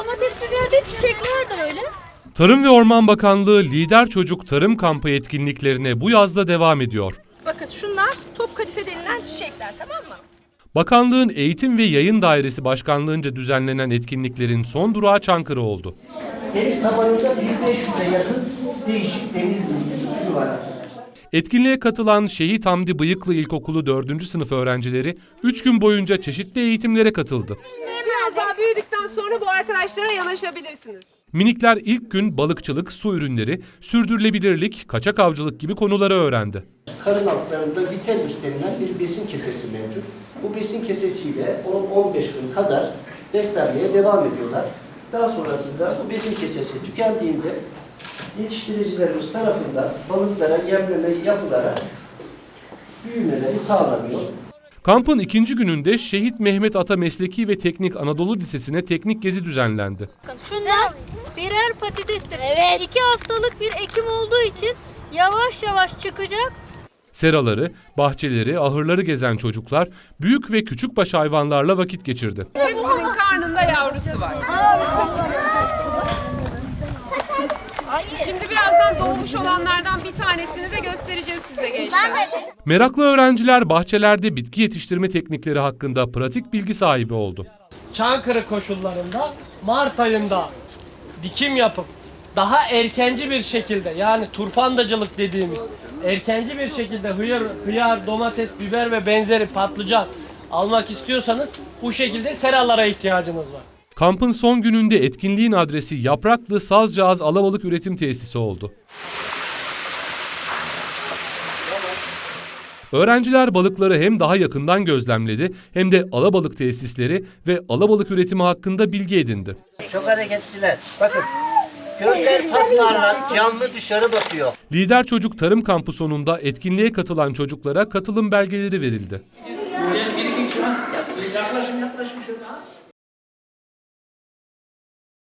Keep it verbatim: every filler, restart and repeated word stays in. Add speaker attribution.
Speaker 1: domates biberde, çiçekler de öyle.
Speaker 2: Tarım ve Orman Bakanlığı Lider Çocuk Tarım Kampı etkinliklerine bu yazda devam ediyor.
Speaker 3: Bakın şunlar top kadife denilen çiçekler, tamam mı?
Speaker 2: Bakanlığın Eğitim ve Yayın Dairesi Başkanlığınca düzenlenen etkinliklerin son durağı Çankırı oldu.
Speaker 4: Deniz tabanında bin beş yüze yakın değişik deniz türü var.
Speaker 2: Etkinliğe katılan Şehit Hamdi Bıyıklı İlkokulu dördüncü sınıf öğrencileri üç gün boyunca çeşitli eğitimlere katıldı.
Speaker 5: Biraz daha büyüdükten sonra bu arkadaşlara yanaşabilirsiniz.
Speaker 2: Minikler ilk gün balıkçılık, su ürünleri, sürdürülebilirlik, kaçak avcılık gibi konuları öğrendi.
Speaker 4: Karın altlarında vitelmiş denilen bir besin kesesi mevcut. Bu besin kesesiyle on on beş gün kadar beslenmeye devam ediyorlar. Daha sonrasında bu besin kesesi tükendiğinde yetiştiricilerimiz tarafından balıklara yemleme yapılarak büyümeleri sağlanıyor.
Speaker 2: Kampın ikinci gününde Şehit Mehmet Ata Mesleki ve Teknik Anadolu Lisesi'ne teknik gezi düzenlendi.
Speaker 1: Şunlar birer patatestir. Evet. İki haftalık bir ekim olduğu için yavaş yavaş çıkacak.
Speaker 2: Seraları, bahçeleri, ahırları gezen çocuklar büyük ve küçükbaş hayvanlarla vakit geçirdi.
Speaker 5: Hepsinin karnında yavrusu var. Şimdi birazdan doğmuş olanlardan bir tanesini de göstereceğiz size gençler.
Speaker 2: Meraklı öğrenciler bahçelerde bitki yetiştirme teknikleri hakkında pratik bilgi sahibi oldu.
Speaker 6: Çankırı koşullarında Mart ayında dikim yapıp daha erkenci bir şekilde, yani turfandacılık dediğimiz erkenci bir şekilde hıyar, hıyar, domates, biber ve benzeri patlıcan almak istiyorsanız bu şekilde seralara ihtiyacınız var.
Speaker 2: Kampın son gününde etkinliğin adresi Yapraklı Sazcağız Alabalık Üretim Tesisi oldu. Öğrenciler balıkları hem daha yakından gözlemledi hem de alabalık tesisleri ve alabalık üretimi hakkında bilgi edindi.
Speaker 4: Çok hareketliler. Bakın gözler pasparlar, canlı dışarı bakıyor.
Speaker 2: Lider Çocuk Tarım Kampı sonunda etkinliğe katılan çocuklara katılım belgeleri verildi.
Speaker 4: Bir iki kişi var. Yaklaşın yaklaşın şöyle.